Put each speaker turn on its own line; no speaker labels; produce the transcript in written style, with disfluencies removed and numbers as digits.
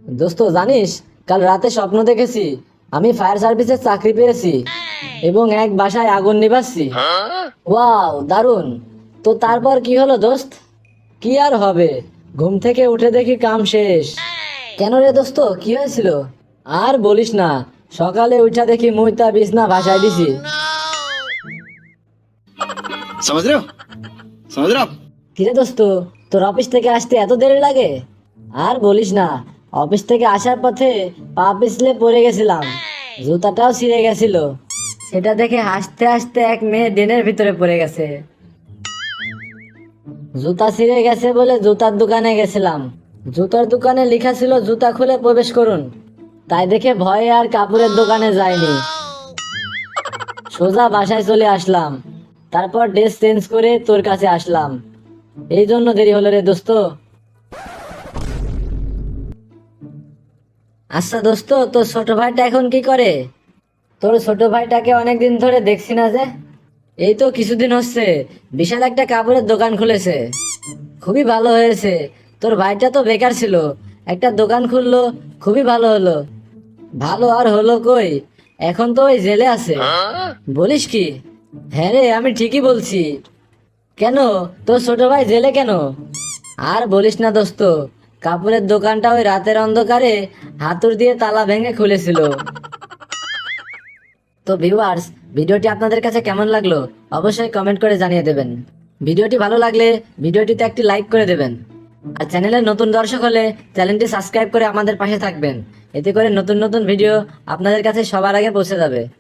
দোস্ত জানিস, কাল রাতে স্বপ্ন দেখেছি আমি ফায়ার সার্ভিসের চাকরি পেয়েছি এবং এক বাসায় আগুন নিভাচ্ছি। ওয়াও, দারুণ। তো তারপর কি হলো দোস্ত? কি আর হবে, ঘুম থেকে উঠে দেখি কাম শেষ। কেন রে দোস্ত, কি হয়েছিল? আর বলিস না, সকালে উঠা দেখি মুইতা বিছনা ভাসায় দিছি।
समझ रहे हो समझ रहे हो आप।
কিরে দোস্ত, তোর অফিস থেকে আসতে এত দেরি লাগে? আর বলিস না, অফিস থেকে আসার পথে পা পিছলে পড়ে গেছিলাম, জুতাটাও ছিঁড়ে গেছিল। সেটা দেখে হাসতে হাসতে এক মেয়ে ড্রেনের ভিতরে পড়ে গেছে। জুতা ছিঁড়ে গেছে বলে জুতার দোকানে গেছিলাম। জুতার দোকানে লেখা ছিল জুতা খুলে প্রবেশ করুন, তাই দেখে ভয়ে আর কাপড়ের দোকানে যাইনি, সোজা বাসায় চলে আসলাম। তারপর ড্রেস চেঞ্জ করে তোর কাছে আসলাম। এই জন্য দেরি হলো রে দোস্ত। আচ্ছা দোস্ত, তোর ছোট ভাইটা এখন কি করে? তোর ছোট ভাইটাকে অনেকদিন ধরে দেখছি না যে। এই তো কিছুদিন হচ্ছে বিশাল একটা কাপড়ের দোকান খুলেছে, খুবই ভালো হয়েছে। তোর ভাইটা তো বেকার ছিল, একটা দোকান খুললো, খুবই ভালো হলো। ভালো আর হলো কই, এখন তো ওই জেলে আছে। বলিস কি? হ্যাঁ রে, আমি ঠিকই বলছি। কেন, তোর ছোট ভাই জেলে কেন? আর বলিস না দোস্ত, কাপড়ের দোকানটা ওই রাতের অন্ধকারে হাতুড় দিয়ে তালা ভেঙে খুলেছিল। তো ভিউয়ার্স, ভিডিওটি আপনাদের কাছে কেমন লাগলো অবশ্যই কমেন্ট করে জানিয়ে দেবেন। ভিডিওটি ভালো লাগলে ভিডিওটিতে একটি লাইক করে দেবেন। আর চ্যানেলের নতুন দর্শক হলে চ্যানেলটি সাবস্ক্রাইব করে আমাদের পাশে থাকবেন। এতে করে নতুন নতুন ভিডিও আপনাদের কাছে সবার আগে পৌঁছে যাবে।